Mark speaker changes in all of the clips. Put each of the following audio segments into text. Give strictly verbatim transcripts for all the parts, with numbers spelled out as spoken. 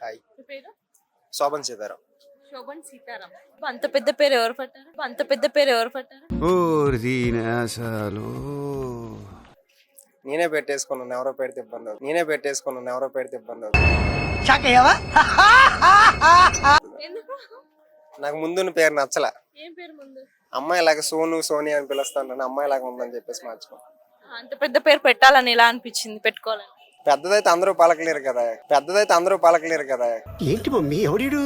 Speaker 1: Hi.
Speaker 2: మీ పేరు?
Speaker 1: శోభన్ సీతారాం.
Speaker 2: శోభన్ సీతారాం. అంత పెద్ద పేరు ఎవరు పట్టారు? అంత పెద్ద పేరు ఎవరు పట్టారు?
Speaker 1: నేనే పెట్టేసుకున్నాను, ఎవరో పెడితే ఇబ్బంది అవుతుంది. నేనే పెట్టేసుకున్నాను, ఎవరో పెడితే ఇబ్బంది అవుతుంది.
Speaker 2: ఎందుకు?
Speaker 1: నాకు ముందున్న పేరు నచ్చల.
Speaker 2: ఏం పేరు ముందు?
Speaker 1: అమ్మాయి లాగా సోను సోని అని పిలుస్తాను, అమ్మాయి లాగా ఉందని చెప్పేసి మార్చుకున్నాను.
Speaker 2: అంత పెద్ద పేరు పెట్టాలని ఎలా అనిపించింది పెట్టుకోవాలని?
Speaker 1: పెద్దదైతే అందరూ పలకలేరు కదా, పెద్దదైతే అందరూ పలకలేరు కదా.
Speaker 3: ఏంటి మమ్మీ ఎవడీడు?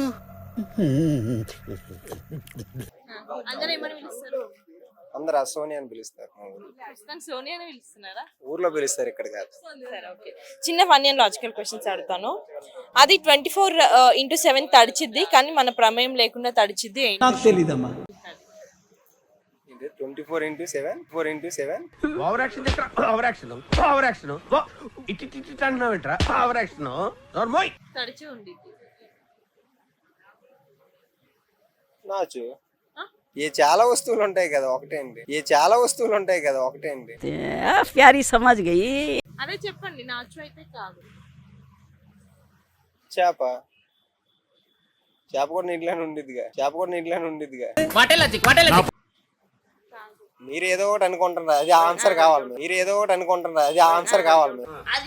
Speaker 2: అందరూ ఏమని పిలుస్తారు?
Speaker 1: అందరు ఆ సోని అని పిలుస్తారు. మా ఊర్లో
Speaker 2: ప్రస్తుతానికి సోనియా అని పిలుస్తున్నారా?
Speaker 1: ఊర్లో పిలుస్తారు, ఇక్కడ కాదు.
Speaker 2: సరే, ఓకే. చిన్న ఫన్నీ అండ్ లాజికల్ క్వశ్చన్స్ అడుగుతాను. అది ట్వంటీ ఫోర్ ఇంటూ సెవెన్ తడిచిద్ది, కానీ మన ప్రమేయం లేకుండా తడిచిద్ది ఏంటి?
Speaker 3: నాకు తెలీదమ్మా.
Speaker 1: Twenty four into seven four into seven
Speaker 3: over action over action over action it it it అంటున్నావేంట్రా? ఓవర్ యాక్షన్ నార్మల్
Speaker 2: తడిచి ఉండిద్ది.
Speaker 1: నాచు. ఏ చాలా వస్తువులు ఉంటాయి కదా, ఒకటే అండి. ఏ చాలా వస్తువులు ఉంటాయి కదా, ఒకటే అండి.
Speaker 4: ప్యారీ సమాజ్ గయి.
Speaker 2: అదే చెప్పండి. నాచు అయితే కాదు.
Speaker 1: చేప. చేప కూడా నీటిలోనే ఉండిద్దిగా. చేప కూడా నీటిలోనే ఉండిద్దిగా. మీరు ఏదో ఒకటి అనుకుంటున్నారు, అది ఆన్సర్ కావాలి. మీరు ఏదో ఒకటి అనుకుంటున్నారు, అది ఆన్సర్ కావాలి.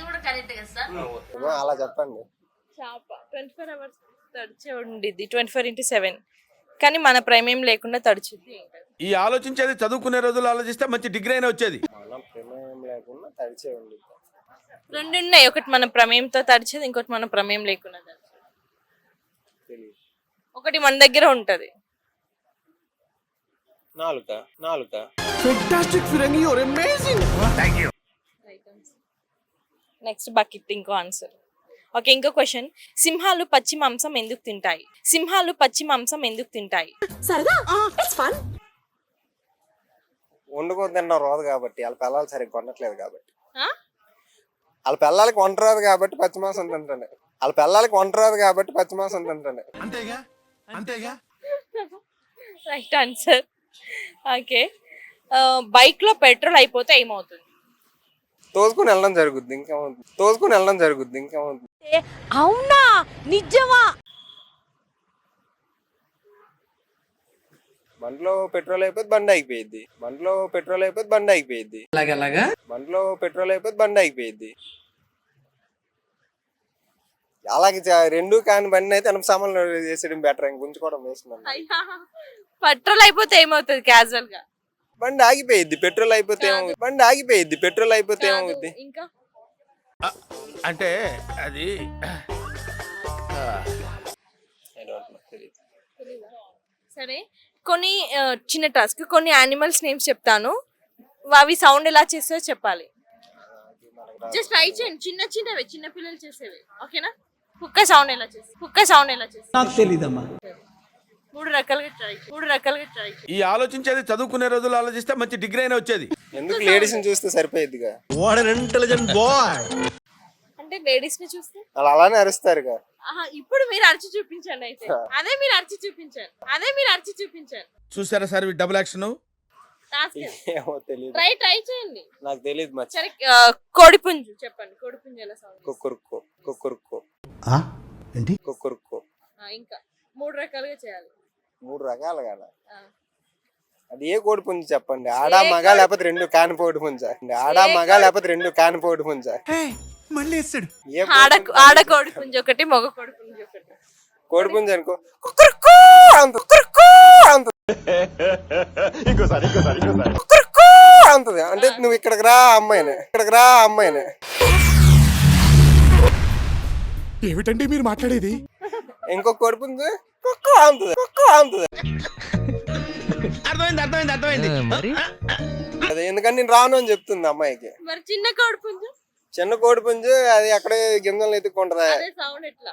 Speaker 1: అలా చెప్పండి.
Speaker 2: చేప ట్వంటీ ఫోర్ అవర్స్ తడిచే ఉండిద్ది, ట్వంటీ ఫోర్ ఇంటూ సెవెన్, కానీ మన ప్రమేయం లేకుండా తడిచిద్ది.
Speaker 5: ఈ ఆలోచించేది చదువుకునే రోజులు ఆలోచిస్తే మంచి డిగ్రీ అయినా వచ్చేది.
Speaker 1: మన ప్రమేయం లేకుండా తడిచే ఉండిద్ది.
Speaker 2: రెండు ఉన్నాయి, ఒకటి మన ప్రమేయంతో తడిచేది, ఇంకోటి మన ప్రమేయం లేకుండా తడిచేది.
Speaker 1: తెలియదు.
Speaker 2: ఒకటి మన దగ్గర ఉంటది.
Speaker 1: నాలుక. నాలుక.
Speaker 2: నెక్స్ట్ బకెట్ ఇంకో ఆన్సర్. ఓకే, ఇంకో క్వశ్చన్. సింహాలు పచ్చి మాంసం ఎందుకు తింటాయి? సింహాలు పచ్చి మాంసం ఎందుకు తింటాయి?
Speaker 1: వండుకొని తినడం రాదు కాబట్టి, వాళ్ళ పిల్లలు సరిగ్గా కొనట్లేదు కాబట్టి. వాళ్ళ పిల్లలకి వంట రాదు కాబట్టి పచ్చి మాంసం తింటాను. వాళ్ళ పిల్లలకి వంట రాదు కాబట్టి పచ్చి మాంసం తింటాను.
Speaker 5: అంతేగా అంతేగా
Speaker 2: రైట్ ఆన్సర్. ఓకే, బైక్ లో పెట్రోల్ అయిపోతే ఏమవుతుంది?
Speaker 1: తోసుకుని వెళ్ళడం జరుగుద్ది, ఇంకేమవుతుంది? తోసుకుని వెళ్ళడం జరుగుద్ది, ఇంకేమవుతుంది?
Speaker 4: అవునా? నిజమా?
Speaker 1: బండిలో పెట్రోల్ అయిపోతే బండి ఆగిపోయింది. బండిలో పెట్రోల్ అయిపోతే బండి ఆగిపోయింది. బండిలో పెట్రోల్ అయిపోతే బండి ఆగిపోయింది. అలాగే రెండు కాని బండి అయితే ఎనభై సామాన్లు చేసేయడం బెటర్, ఇంక ఉంచుకోవడం వేస్తున్నాను.
Speaker 2: పెట్రోల్ అయిపోతే ఏమవుతుంది? క్యాజువల్ గా
Speaker 1: బండి ఆగిపోయింది. పెట్రోల్ అయిపోతే ఏమవుతుంది? బండి ఆగిపోయింది. పెట్రోల్ అయిపోతే ఏమవుతుంది?
Speaker 2: ఇంకా
Speaker 5: అంటే అది
Speaker 2: సరే, కొన్ని చిన్న టాస్క్, కొన్ని యానిమల్స్ నేమ్స్ చెప్తాను, అవి సౌండ్ ఎలా చేస్తాయో చెప్పాలి. జస్ట్ ట్రై చేయండి, చిన్న చిన్నవి, చిన్న పిల్లలు చేసేవి. ఓకేనా? కుక్క సౌండ్ ఎలా చేస్తుంది? కుక్క సౌండ్ ఎలా చేస్తుంది?
Speaker 3: నాకు తెలీదమ్మా.
Speaker 2: మూడు రకాలుగా ట్రై మూడు రకాలుగా ట్రై
Speaker 5: ఈ ఆలోచించేది చదువుకునే రోజులు ఆలోచిస్తే మంచి డిగ్రీ అయినా వచ్చేది.
Speaker 1: ఎందుకు లేడీస్ ని చూస్తే సరిపోయిద్దిగా.
Speaker 2: అంటే లేడీస్ ని చూస్తే
Speaker 1: వాళ్ళు అలానే అరుస్తారుగా.
Speaker 2: ఆహా, ఇప్పుడు మీరు అరిచి చూపించండి. అయితే అదే మీరు అరిచి చూపించారు, అదే మీరు అరిచి చూపించారు.
Speaker 5: చూసారా సార్ డబుల్ యాక్షన్.
Speaker 1: ఏమో తెలియదు.
Speaker 2: ట్రై ట్రై చేయండి.
Speaker 1: నాకు తెలియదు మచ్చ.
Speaker 2: సరే, కోడిపుంజు చెప్పండి. కోడిపుంజు ఎలా సౌండ్?
Speaker 1: కుక్కురుక్కో. కుక్కురుక్కో.
Speaker 3: ఏంటి?
Speaker 1: కుక్కురుక్కో.
Speaker 2: ఇంకా మూడు రకాలుగా చేయాలి.
Speaker 1: మూడు రకాలుగా అది ఏ కోడి పుంజు చెప్పండి? ఆడా మగ లేకపోతే రెండు కాని కోడి పుంజ? ఆడా మగ లేకపోతే రెండు కాని కోడి పుంజ?
Speaker 2: ఆడ కోడి పుంజు ఒకటి, మగ కోడి పుంజు ఒకటి.
Speaker 1: కోడి పుంజు అనుకో కుక్కురుక్కో అంత కుక్కురుక్కో అంత కుక్కురుక్కో అంతది. అంటే నువ్వు ఇక్కడికి రా అమ్మాయిని, ఇక్కడికి రా అమ్మాయిని.
Speaker 5: ఏమిటండి మీరు మాట్లాడేది?
Speaker 1: ఇంకో కోడి పుంజు కుక్కో అంతది, కుక్కో అంతది.
Speaker 5: అర్థమైంది అర్థమైంది అర్థమైంది
Speaker 1: అదే ఎందుకంటే నేను రాను అని చెప్తుంది అమ్మాయికి.
Speaker 2: మరి చిన్న కోడి పుంజు?
Speaker 1: చిన్న కోడి పుంజు అది అక్కడే గింజలు ఎత్తుకుంటదా,
Speaker 2: సౌండ్ ఎట్లా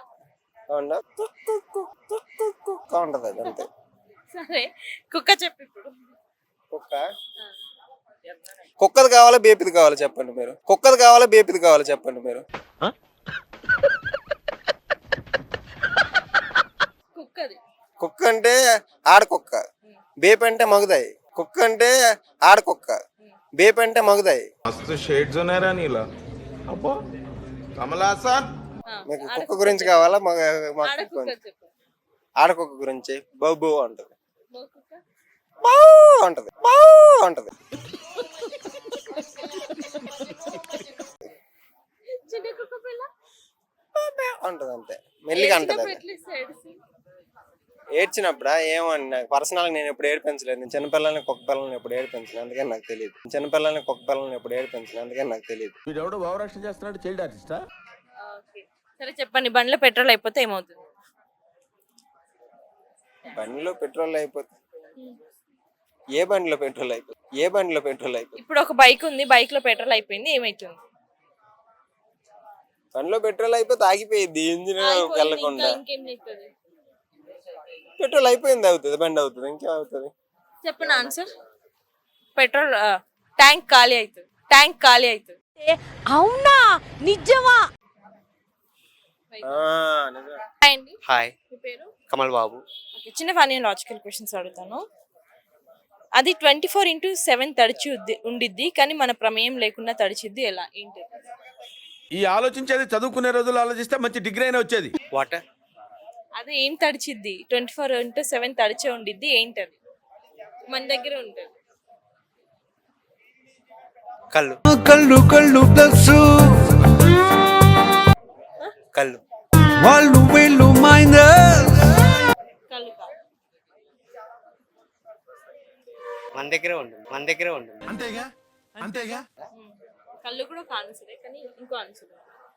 Speaker 1: ఉంటది అది అంతే.
Speaker 2: సరే, కుక్క చెప్పు ఇప్పుడు.
Speaker 1: కుక్క. కుక్కది కావాలా బేపిది కావాలా చెప్పండి మీరు? కుక్కది కావాలా బేపిది కావాలా చెప్పండి మీరు?
Speaker 2: కుక్కది.
Speaker 1: కుక్క అంటే ఆడకుక్క, బేప్ అంటే మగుదాయి. కుక్క అంటే ఆడకుక్క, బేప్ అంటే మగుదాయి.
Speaker 6: మస్తు షేడ్స్ ఉన్నారా నీలా? అబ్బో కమలాసన్.
Speaker 2: ఆ,
Speaker 1: మీకు
Speaker 2: ఆడ
Speaker 1: కుక్క గురించి కావాలా మగ మగ
Speaker 2: ఆడ
Speaker 1: కుక్క
Speaker 2: కుక్క
Speaker 1: గురించి?
Speaker 2: చెప్పు.
Speaker 1: ఆడకుక్క గురించి బౌ బౌ అంటది,
Speaker 2: మగ కుక్క.
Speaker 1: బౌ అంటది, బౌ అంటది.
Speaker 2: చిన్న కుక్క పిల్ల
Speaker 1: బౌ బౌ అంటది అంతే, మెల్లిగా అంటది
Speaker 2: ఏడ్చినప్పుడు
Speaker 1: అది.
Speaker 2: ఎట్లా ఇస్తుంది ఏడుస్తుంది?
Speaker 1: ఏడ్చినప్పుడా ఏమో అండి, నాకు పర్సనల్గా నేను ఎప్పుడు ఏడిపించలేదు. నేను చిన్నపిల్లల్ని కుక్క పిల్లల్ని ఎప్పుడు ఏడిపించలేదు, అందుకని నాకు తెలియదు. చిన్నపిల్లల్ని కుక్క పిల్లల్ని ఎప్పుడు ఏడిపించలేదు, అందుకని నాకు తెలియదు.
Speaker 5: వీడెవడో భావరక్షణ చేస్తున్నాడు, చైల్డ్ ఆర్టిస్టా?
Speaker 2: ఓకే. సరే చెప్పండి, బండిలో పెట్రోల్ అయిపోతే ఏమవుతుంది?
Speaker 1: బండిలో పెట్రోల్ అయిపోతుంది. ఏ బండిలో పెట్రోల్ అయిపోతుంది? ఏ బండిలో పెట్రోల్ అయిపోతుంది?
Speaker 2: ఇప్పుడు ఒక బైక్ ఉంది, బైక్ లో పెట్రోల్ అయిపోయింది, ఏమైతుంది?
Speaker 1: బండిలో పెట్రోల్ అయిపోతే ఆగిపోయింది, ఇంజిన్
Speaker 2: అయిపోయింది, ఇంకా
Speaker 1: వెళ్ళకుండా.
Speaker 2: ఇంకేం చేస్తుంది?
Speaker 1: పెట్రోల్ అయిపోయింది అవుతుంది, బండి అవుతుంది, ఇంకేం అవుతుంది?
Speaker 2: చెప్పండి ఆన్సర్. పెట్రోల్ ట్యాంక్ ఖాళీ అవుతుంది, ట్యాంక్ ఖాళీ అవుతుంది.
Speaker 4: అవునా నిజమా?
Speaker 1: ఆ, నిజమే.
Speaker 2: హాయ్ అండి,
Speaker 6: హాయ్,
Speaker 2: మీ పేరు?
Speaker 6: కమల్ బాబు.
Speaker 2: ఓకే, చిన్న ఫన్నీ లాజికల్ క్వశ్చన్స్ అడుగుతాను. అది ట్వంటీ ఫోర్ ఇంటూ సెవెన్ తడిచి ఉద్ది- ఉండిద్ది, కానీ మన ప్రమేయం లేకుండా తడిచిద్ది ఎలా? ఏంటి?
Speaker 5: ఈ ఆలోచించేది చదువుకునే రోజులు ఆలోచిస్తే మంచి డిగ్రీ అయినా వచ్చేది.
Speaker 6: వాటర్.
Speaker 2: అది ఏం తడిచిద్ది? ట్వంటీ ఫోర్ ఇంటూ సెవెన్ తడిచే ఉండిద్ది, ఏంటది? మన దగ్గర ఉంటుంది.
Speaker 6: కళ్ళు.
Speaker 3: కళ్ళు కళ్ళు ప్లస్
Speaker 6: కళ్ళు.
Speaker 3: వాళ్ళు వీళ్ళు మైనస్.
Speaker 2: కళ్ళు కాదు.
Speaker 6: మన దగ్గరే ఉంటుంది, మన దగ్గరే ఉంటుంది.
Speaker 3: అంతేగా అంతేగా.
Speaker 2: ఉమ్. కళ్ళు కూడా ఒక ఆన్సరే, కానీ ఇంకో ఆన్సర్.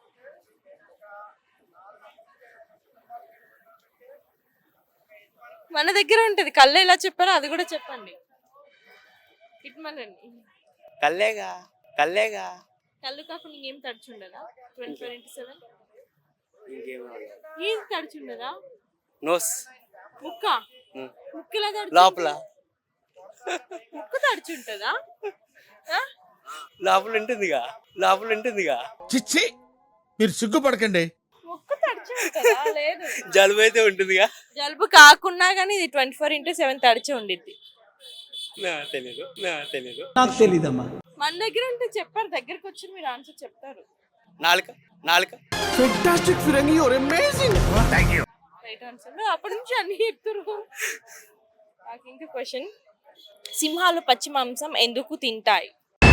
Speaker 2: మన దగ్గర ఉంటది. కళ్ళు ఎలా చెప్పారో అది కూడా చెప్పండి. ఇట్మలండి.
Speaker 6: కల్లేగా, కల్లేగా.
Speaker 2: కళ్ళు కాకుండా ఇంకేం తడిచి ఉండదా? ట్వంటీ ఫోర్ ఇంటూ సెవెన్
Speaker 6: ఇంకేమో.
Speaker 2: ఏం తడిచి ఉండదా?
Speaker 6: నోస్.
Speaker 2: ముక్క.
Speaker 6: ఉమ్.
Speaker 2: ముక్క ఎలా తడిచి
Speaker 6: లోపల,
Speaker 2: ముక్క తడిచి ఉంటుందా? ఆ?
Speaker 6: లోపల ఉంటుందిగా, లోపల ఉంటుందిగా.
Speaker 3: చిచ్చి, మీరు సిగ్గుపడకండి.
Speaker 2: ముక్క తడిచి ఉంటుందా? లేదు.
Speaker 6: జలుబు అయితే ఉంటుందిగా.
Speaker 2: జలుబు కాకున్నా కానీ ఇది ట్వంటీ ఫోర్ ఇంటూ సెవెన్ తడిచి ఉండిద్ది.
Speaker 6: నా తెలీదు, నా తెలీదు.
Speaker 3: నాకు తెలీదమ్మా.
Speaker 2: మన దగ్గర ఉంటే చెప్పారు, దగ్గరకు వచ్చి మీరు ఆన్సర్ చెప్తారు.
Speaker 6: నాలుక, నాలుక.
Speaker 3: ఫెంటాస్టిక్ ఫిరంగి, your amazing. Thank you.
Speaker 2: Right answer. అప్పటి నుంచి అన్ని చెప్తారు. నాకు ఇంకా క్వశ్చన్. సింహాలు పచ్చి మాంసం ఎందుకు తింటాయి?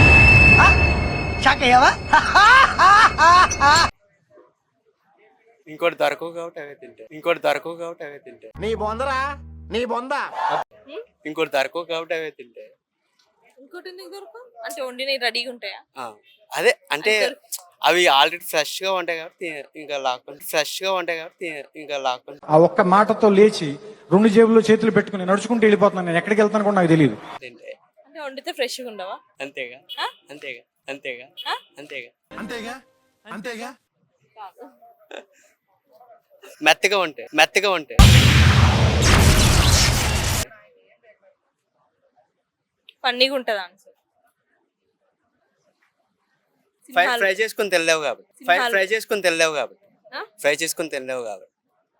Speaker 6: ఇంకోటి దొరకవు కాబట్టి అవే తింటాయి. ఇంకోటి దొరకవు కాబట్టి అవే తింటాయి.
Speaker 3: నీ బొందరా, నీ బొంద.
Speaker 6: ఇంకోటి దొరకవు కాబట్టి అవే తింటాయి.
Speaker 2: ఇంకోటి ఎందుకు దొరకవు? అంటే వండినవి రెడీగా ఉంటాయా?
Speaker 6: ఆ, అదే అంటే
Speaker 2: అది దొరక-
Speaker 6: అవి ఆల్రెడీ ఫ్రెష్ గా ఉంటాయి కాబట్టి ఇంకా లాక్కుంటే ఫ్రెష్ గా ఉంటాయి కాబట్టి ఇంకా లాక్కుంటే
Speaker 7: ఆ ఒక్క మాటతో లేచి రెండు జేబుల్లో చేతులు పెట్టుకుని నడుచుకుంటూ వెళ్ళిపోతున్నాను. నేను ఎక్కడికి వెళ్తాను కూడా నాకు తెలియదు.
Speaker 6: తింటాయి.
Speaker 2: అంటే వండితే ఫ్రెష్గా ఉండవా?
Speaker 6: అంతేగా,
Speaker 2: ఆ?
Speaker 6: అంతేగా, అంతేగా,
Speaker 2: ఆ?
Speaker 6: అంతేగా.
Speaker 3: అంతేగా అంతేగా.
Speaker 2: కాదు.
Speaker 6: మెత్తగా ఉంటాయి, మెత్తగా ఉంటాయి.
Speaker 2: ఫన్నీగా ఉంటుంది ఆన్సర్.
Speaker 6: ఫ్రై
Speaker 2: సింహాలు-
Speaker 6: ఫ్రై చేసుకుని తెల్లేవు కాబట్టి ఫ్రై
Speaker 2: సింహాలు-
Speaker 6: ఫ్రై చేసుకుని తెల్లేవు కాబట్టి
Speaker 2: ఆ?
Speaker 6: ఫ్రై చేసుకుని తెల్లేవు కాబట్టి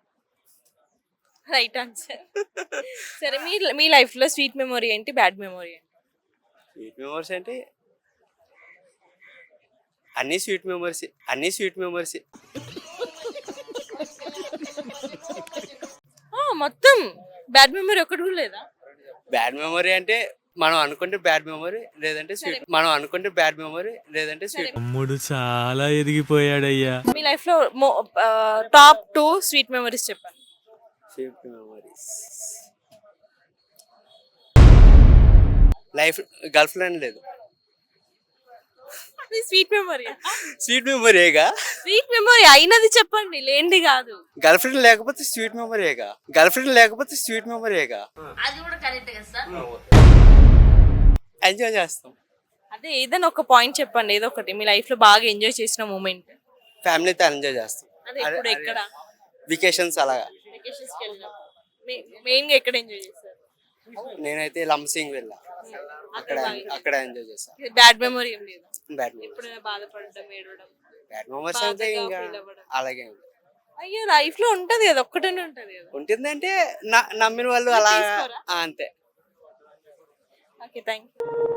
Speaker 2: రైట్ ఆన్సర్. సరే, మీ మీ లైఫ్ లో స్వీట్ మెమొరీ ఏంటి, బ్యాడ్ మెమొరీ ఏంటి?
Speaker 6: స్వీట్ మెమరీస్ అంటే అన్ని స్వీట్ మెమరీస్, అన్ని స్వీట్ మెమరీస్.
Speaker 2: ఆ, మొత్తం బ్యాడ్ మెమొరీ ఒకటి కూడా లేదా?
Speaker 6: బ్యాడ్ మెమరీ అంటే మనం అనుకుంటే బ్యాడ్ మెమరీ, లేదంటే స్వీట్. మనం అనుకుంటే బ్యాడ్ మెమరీ, లేదంటే స్వీట్.
Speaker 8: తమ్ముడు చాలా ఎదిగిపోయాడయ్యా.
Speaker 2: మీ లైఫ్ లో టాప్ టూ స్వీట్ మెమరీస్ చెప్పండి.
Speaker 6: Sweet memories life girlfriend లేదు.
Speaker 2: Sweet memory.
Speaker 6: స్వీట్ మెమరీగా.
Speaker 2: స్వీట్ మెమరీ అయినది చెప్పండి, లేనిది కాదు.
Speaker 6: గర్ల్ ఫ్రెండ్ లేకపోతే స్వీట్ మెమరీగా. గర్ల్ ఫ్రెండ్ లేకపోతే స్వీట్ మెమరీగా. ఎంజాయ్ చేస్తాం.
Speaker 2: అదే ఏదైనా ఒక పాయింట్ చెప్పండి, ఏదో ఒకటి మీ లైఫ్ లో బాగా ఎంజాయ్ చేసిన మూమెంట్.
Speaker 6: ఫ్యామిలీతో ఎంజాయ్ చేస్తాం.
Speaker 2: అదే ఇప్పుడు ఎక్కడ?
Speaker 6: వెకేషన్స్ అలాగా.
Speaker 2: వెకేషన్స్ కి వెళ్ళినప్పుడు మెయిన్ గా ఎక్కడ ఎంజాయ్ చేస్తారు?
Speaker 6: నేనైతే లంసింగ్ వెళ్ళా, అక్కడ అక్కడ ఎంజాయ్ చేస్తాను.
Speaker 2: బ్యాడ్ మెమరీ ఏం లేదు?
Speaker 6: బ్యాడ్ మెమరీస్,
Speaker 2: ఎప్పుడైనా బాధపడడం, ఏడవడం?
Speaker 6: బ్యాడ్ మెమరీస్ అంటే
Speaker 2: బాధగా
Speaker 6: ఇంకా
Speaker 2: feel అవ్వడం.
Speaker 6: అలాగే ఉంది.
Speaker 2: అయ్యో, లైఫ్ లో ఉంటది కదా, ఒక్కటనే ఉంటది కదా.
Speaker 6: ఉంటుందంటే న- నమ్మిన వాళ్ళు అలా
Speaker 2: తీసుకోరా?
Speaker 6: ఆ, అంతే.
Speaker 2: Okay, thank you.